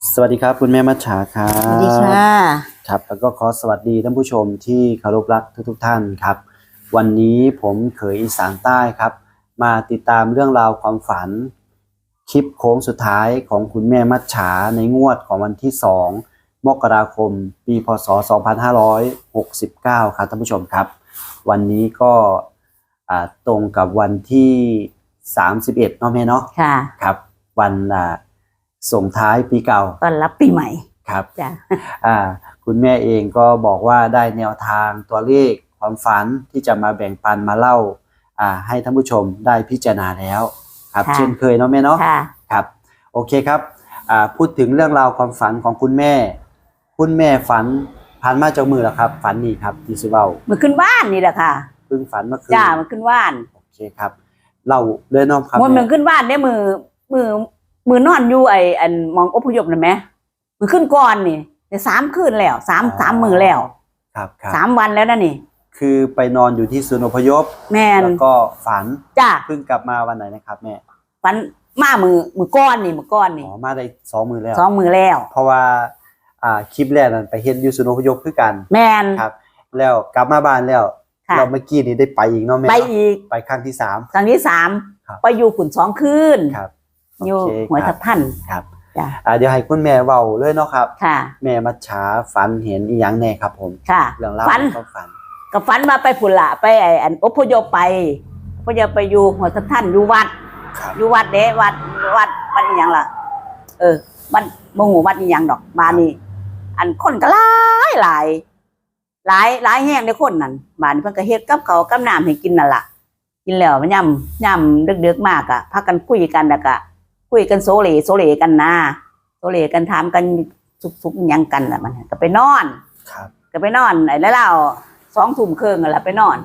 สวัสดีครับคุณแม่มัจฉาครัสวัสดีค่ะครับแล้วก็ขอสวัสดีท่านผู้ชมที่เคารพรักทุกท่านครับวันนี้ผมเขยอีสานใต้ครับมาติดตามเรื่องราวความฝันคลิปโค้งสุดท้ายของคุณแม่มัจฉาในงวดของวันที่2มกราคมปีพศ2569ครับท่านผู้ชมครับวันนี้ก็ตรงกับวันที่31เนาะแม่เนาะค่ะครับวันส่งท้ายปีเก่าต้อนรับปีใหม่ครับจ้ะคุณแม่เองก็บอกว่าได้แนวทางตัวเลขความฝันที่จะมาแบ่งปันมาเล่าให้ท่านผู้ชมได้พิจารณาแล้วครับเช่นเคยเนาะแม่เนาะครับโอเคครับพูดถึงเรื่องราวความฝันของคุณแม่ฝันผ่านมาจากมือแล้วครับฝันนี่ครับที่สิเว้าเมื่อขึ้นบ้านนี่แหละค่ะเพิ่งฝันเมื่อคืนจ้าเมื่อขึ้นบ้านโอเคครับเล่าเลยเนาะครับเมื่อขึ้นบ้านได้มือนอนอยู่อันมองอพยพนั่นไหมมือขึ้นก่อนนี่ได้3 คืนแล้วสามมือแล้วครับ 3 วันแล้วนะนี่คือไปนอนอยู่ที่ศูนย์อพยพแม่แล้วก็ฝันจ้าเพิ่งกลับมาวันไหนนะครับแม่ฝันมามือก้อนนี่อ๋อมาได้2 มือแล้ว 2 มือแล้วเพราะว่าคลิปแรกนั้นไปเฮ็ดอยู่ศูนย์อพยพคือกันแม่นครับแล้วกลับมาบ้านแล้วเราเมื่อกี้นี้ได้ไปอีกเนาะแม่ไปอีกไปครั้งที่3 ครั้งที่3ไปอยู่ขุน2 คืนครับอยู่หัวทับท่านครับเดี๋ยวให้คุณแม่เว้าเลยเนาะครับค่ะแม่มัจฉาฝันเห็นอีหยังแน่ครับผมค่ะเรื่องราวความฝันก็ฝันมาไปพุ่นละไปอันอพยพไปอยู่หัวทับท่านอยู่วัดเด้วัดอีหยังล่ะวัดบ่ฮู้วัดอีหยังดอกบ้านนี้อันคนก็หลายแห้งในคนนั่นบ้านนี้เพิ่นก็เฮ็ดกับข้าวกับน้ำให้กินนั่นล่ะกินแล้วย่ำดึกๆมากอ่ะพากันคุยกันแล้วก็คุยกันโซเลกันนะโซเลกันถามกันสุกๆหยังกันล่ะมันก็ไปนอนครับก็ไปนอนไอ้แล้ว2 ทุ่มครึ่งนั่นล่ะไปนอน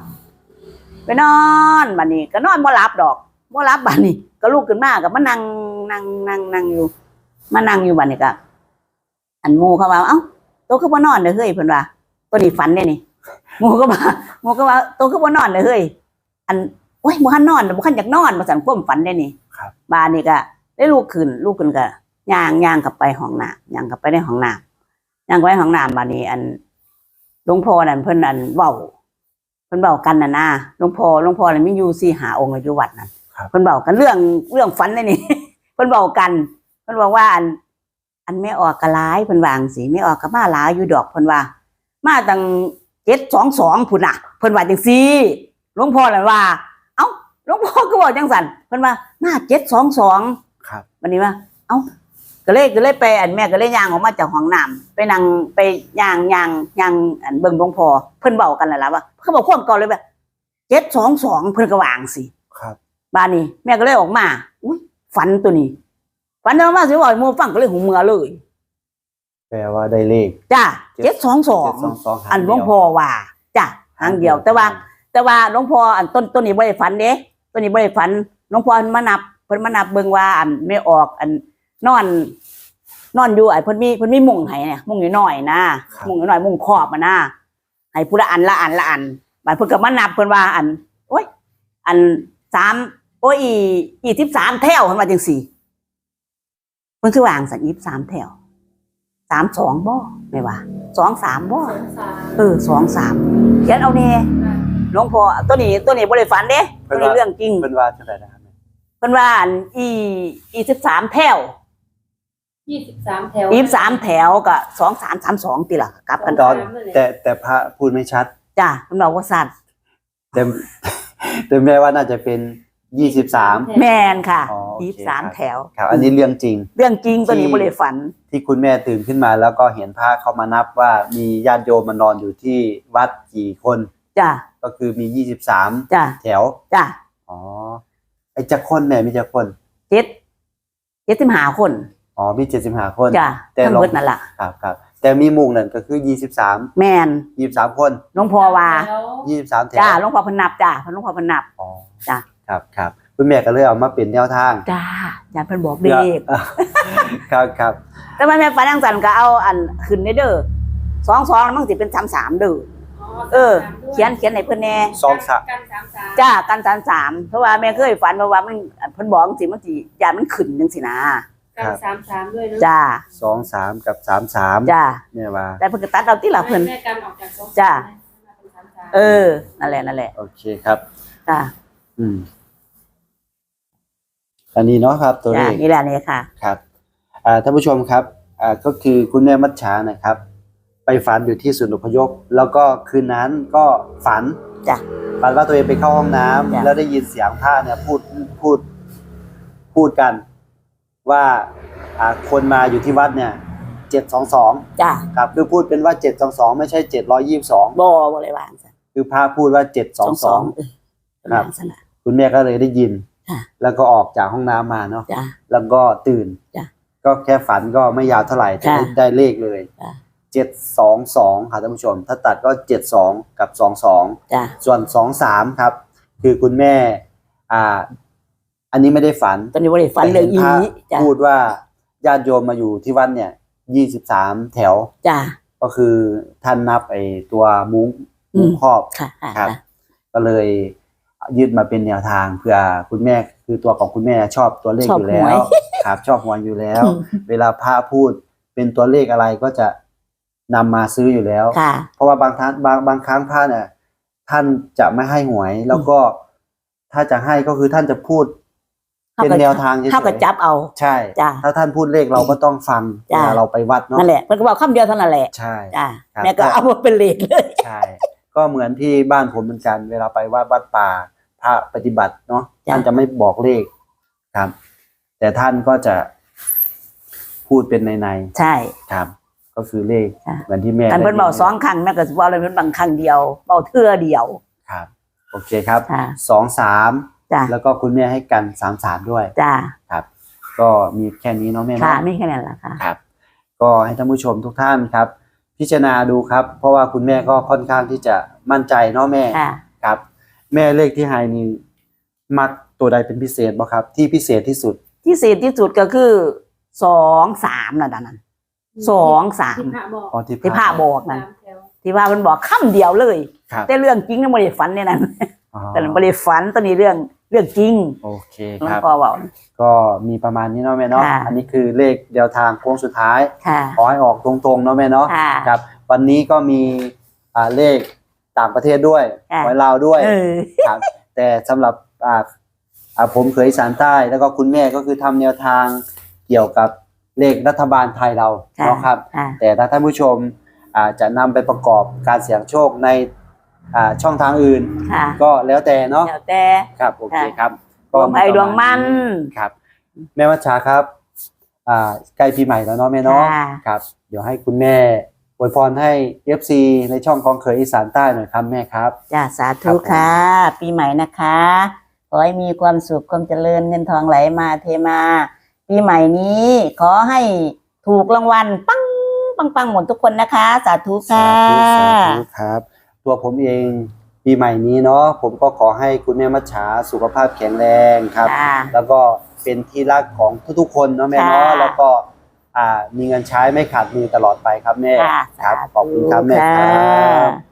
บัดนี้ก็นอนบ่หลับดอกบ่หลับบัดนี้ก็ลุกขึ้นมาก็มานั่งอยู่บัดนี้ก็อันหมู่เขาว่าเอ้าโตคือบ่นอนเด้อเฮ้ยเพิ่นว่าตัวนี้ฝันเด้นี่หมู่ก็ว่าโตคือบ่นอนเด้อเฮ้ยอันโอ้ยบ่ทันนอนบ่ทันอยากนอนบ่สั่นความฝันเด้นี่ครับบัดนี้ก็ได้ลุกขึ้นก็ย่างกลับไปห้องน้ำย่างกลับไปในห้องน้ำย่างไปห้องน้ำบัดนี้อันหลวงพ่อนั่นเพิ่นอันเว้ากันน่ะนะหลวงพ่อน่ะมีอยู่4-5 องค์อยู่วัดนั่นเพิ่นเว้ากันเรื่องฝันเลยนี่ เพิ่นเว้ากันเพิ่นบอกว่าอันไม่ออกกะหลายเพิ่นว่าจังซี่ไม่ออกกะมาหลายอยู่ดอกเพิ่นว่ามาตั้ง722พุ่นน่ะเพิ่นว่าจังซี่หลวงพ่อน่ะว่าเอ้าหลวงพ่อก็บอกจังซั่นเพิ่นว่ามา722 ครับวันนี้ว่าเอ้าก็เลยไปอันแม่ก็เลยย่างออกมาจากห้องน้ำไปนั่งไปย่างอันเบิ่งหลวงพ่อเพิ่นเว้ากันนั่นล่ะว่าเขาบอกความเก่าเลยแบบ722เพิ่นก็วาจังซี่ครับบ้านนี้แม่ก็เลยออกมาอุ้ยฝันตัวนี้ฝันเอามาสิว่าหมู่ฟังก็เลยหูเมื่อเลยแปลว่าได้เลขจ้ะ722อันหลวงพ่อว่าจ้ะหางเดียวแต่ว่าหลวงพ่ออันต้นนี้บ่ได้ฝันเด้ต้นนี้บ่ได้ฝันหลวงพ่อเพิ่นมานับเบิ่งว่าอันไม่ออกอันนอนอยู่ไอ้เพิ่นมีมุ้งให้เนี่ยมุ้งน้อยๆนะมุ้งน้อยๆมุ้งครอบมานะให้ผู้ละอันบัดเพิ่นก็มานับเพิ่นว่าอันโอ้ยอัน3โอ้ยอี13แถวเพิ่นว่าจังซี่เพิ่นคือวางสัน23แถว32บ่แม่ว่า23บ่23เขียนเอาแน่หลวงพ่อตัวนี้บ่ได้ฝันเด้ตัวนี้เรื่องจริงเพิ่นว่าจังได๋นะครับเพิ่นว่าอันอี13แถว 23 แถว 23แถวก็2332ติล่ะกลับกันตอนแต่พระพูดไม่ชัดจ้ะเพิ่นบอกว่าสั้นแต่แม่ว่าน่าจะเป็น23 แม่นค่ะ23แถวครับอันนี้เรื่องจริงตัวนี้บ่ได้ฝันที่คุณแม่ตื่นขึ้นมาแล้วก็เห็นพระเข้ามานับว่ามีญาติโยมมานอนอยู่ที่วัดกี่คนจ้ะก็คือมี23 จ้ะแถวจ้ะอ๋อไอ้จักคนแม่มีจักคน 75คนอ๋อมี75คนจ้ะแต่หมดนั่นล่ะครับแต่มีมุงนั่นก็คือ23 แม่น 23คนหลวงพ่อว่า 23แถวจ้ะหลวงพ่อเพิ่นนับจ้ะหลวงพ่อเพิ่นนับอ๋อจ้ะครับคุณแม่ก็เลยเอามาเป็นแนวทางจ้ะญาติเพิ่นบอกเลขครับแต่ว่าแม่ฝันจังซั่นก็เอาอันขึ้นเด้อ22แล้วมันสิเป็น33เด้อเขียนให้เพิ่นแน่ 23 จ้ะกัน33เพราะว่าแม่เคยฝันว่ามันเพิ่นบอกจังซี่มันสิญาติมันขึ้นจังซี่นะกัน33ด้วยเนาะจ้า 23กับ33 จ้าแม่ว่าแต่เพิ่นก็ตัดเอาที่ละเพิ่นแม่กันออกจากสองจ้ะเป็น33 เออนั่นแหละโอเคครับจ้าอันนี้เนาะครับตัวเลจ้าขนี่แหละนี่ค่ะครับท่านผู้ชมครับก็คือคุณแม่มัจฉานะครับ ไปฝันอยู่ที่ศูนย์อพยพแล้วก็คืนนั้นก็ฝันจ้ะฝันว่าตัวเองไปเข้าห้องน้ำจ้ะแล้วได้ยินเสียงพระเนี่ยพูดกันว่าคนมาอยู่ที่วัดเนี่ย722 จ้าครับคือพูดเป็นว่า722ไม่ใช่722 บ่เลยว่าซั่นคือพระพูดว่า722 เออครับว่าซั่นน่ะคุณแม่ก็เลยได้ยินค่ะแล้วก็ออกจากห้องน้ำมาเนาะจ้าแล้วก็ตื่นจ้ะก็แค่ฝันก็ไม่ยาวเท่าไหร่แต่ค่ะได้เลขเลยจ้ะ 722ค่ะท่านผู้ชม ถ้าตัดก็72กับ22 จ้าส่วน23ครับ คือคุณแม่อันนี้ไม่ได้ฝันตอนนี้บ่ได้ฝันเรื่องอีแต่ห็นพจ้าระพูดว่าญาติโยมมาอยู่ที่วัดเนี่ย23แถวจ้าก็คือท่านนับไอ้ตัวมุ้งอืมครอบค่ะครับ ก็เลยยึดมาเป็นแนวทางเพื่อคุณแม่คือตัวของคุณแม่ชอบตัวเลขชอบอยู่แล้หววย ครับชอบหวยอยู่แล้วอืมเวลาพระพูดเป็นตัวเลขอะไรก็จะนำมาซื้ออยู่แล้วค่ะเพราะว่าบางครั้งบางครั้งพระเนี่ยท่านจะไม่ให้หวย แล้วก็ถ้าจะให้ก็คือท่านจะพูดเป็นแนวทางเฉยๆเท่ากับจับเอาใช่จ้ะถ้าท่านพูดเลขเราก็ต้องฟังเวจ้ะลาเราไปวัดเนาะนั่นแหละเพิ่นก็บอกคำเดียวเท่านั้นแหละใช่จ้าครับแม่ก็เอามาเป็นเลขเลยใช่ ก็เหมือนที่บ้านผมเหมือนกัน เวลาไปวัดป่าพระปฏิบัติเนาะจ้ะท่านจะไม่บอกเลขครับ แต่ท่านก็จะพูดเป็นในใช่ๆครับ ก็คือเลขจ้ะเหมือนที่แม่อันเพิ่นเบาได้ยิสองครั้งแม่ก็สิเว้าเลยเพิ่นบางครั้งเดียวเบาเทื่อเดียวครับ โอเคครับค่ะ 23 จ้าแล้วก็คุณแม่ให้กัน33ด้วยจ้าครับ ก็มีแค่นี้เนาะแม่ค่ะเนาะไม่แค่นั้นล่ะค่ะครับ ก็ให้ท่านผู้ชมทุกท่านครับ พิจารณาดูครับ เพราะว่าคุณแม่ก็ค่อนข้างที่จะมั่นใจเนาะแม่ค่ะครับ แม่เลขที่ให้นี่มักตัวใดเป็นพิเศษบ่ครับ ที่พิเศษที่สุดที่เศษที่สุดก็คือ2-3นั่นน่ะ2-3 ที่พระบอกอ๋อที่พระบอกนั่น 3แถวที่ว่ามันบอกคำเดียวเลยครับแต่เรื่องจริงเนี่ยบ่ได้ฝันในนั้นอ๋อแต่บ่ได้ฝันตอนนี้เรื่องจริงโอเคหลวคงรับพ่อเว้าก็มีประมาณนี้เนาะแม่เนาะค่ะอันนี้คือเลขเดียวทางโค้งสุดท้ายค่ะขอให้ออกตรงๆเนาะแม่เนาะค่ะครับ วันนี้ก็มีเลขต่างประเทศด้วยค่ะหวยลาวด้วยเออครับ แต่สำหรับผมเคยอีสานใต้แล้วก็คุณแม่ก็คือทำแนวทางเกี่ยวกับเลขรัฐบาลไทยเราค่ะเนาะครับค่ะแต่ถ้าท่านผู้ชมจะนำไปประกอบการเสี่ยงโชคในช่องทางอื่นค่ะก็แล้วแต่เนาะแล้วแต่ครับโอเคครับดวงใครดวงมันครับแม่วัชชาครับใกล้ปีใหม่แล้วเนาะแม่เนาะค่ะครับเดี๋ยวให้คุณแม่อวยพรให้ FC ในช่องของเคยอีสานใต้หน่อยครับแม่ครับจ้าสาครัธุบผมค่ะ ปีใหม่นะคะ ขอให้มีความสุขความเจริญเงินทองไหลมาเทมา ปีใหม่นี้ ขอให้ถูกรางวัลปังปังปังหมดทุกคนนะคะ สาธุสาค่ะธุครับ ตัวผมเองปีใหม่นี้เนาะผมก็ขอให้คุณแม่มัชชาสุขภาพแข็งแรงครับค่ะแล้วก็เป็นที่รักของทุกๆคนเนาะแม่เนาะค่ะแล้วก็มีเงินใช้ไม่ขาดมือตลอดไปครับแม่ค่ะครับสาธุขอบคุณครับแม่ครัค่ะบ